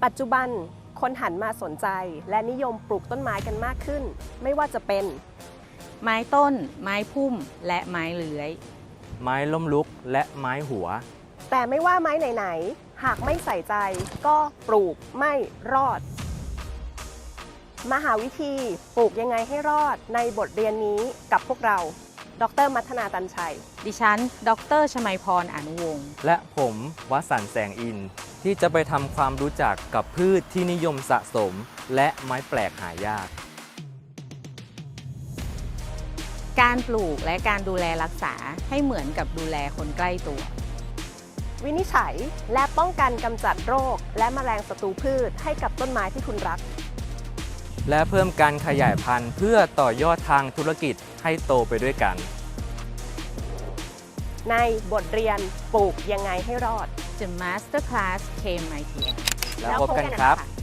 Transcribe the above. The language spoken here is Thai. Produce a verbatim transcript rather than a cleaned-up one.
ปัจจุบันคนหันมาสนใจและนิยมปลูกต้นไม้กันมากขึ้น ไม่ว่าจะเป็นไม้ต้น ไม้พุ่ม และไม้เลื้อยไม้ล้มลุกและไม้หัวแต่ไม่ว่าไม้ไหนๆหากไม่ใส่ใจก็ปลูกไม่รอด มหาวิธีปลูกยังไงให้รอดในบทเรียนนี้กับพวกเราดร.มัทนาตันชัยดิฉัน ดร.ชมัยพร อนุวงศ์และผมวสันต์แสงอินทร์ที่จะไปทำความรู้จักกับพืชที่นิยมสะสม และไม้แปลกหายากการปลูกและการดูแลรักษาให้เหมือนกับดูแลคนใกล้ตัววินิจฉัยและป้องกันกำจัดโรคและแมลงศัตรูพืชให้กับต้นไม้ที่คุณรักและเพิ่มการขยายพันธุ์เพื่อต่อยอดทางธุรกิจให้โตไปด้วยกันในบทเรียนปลูกยังไงให้รอด The Master Class เค เอ็ม ไอ ทีแล้วพบกันครับ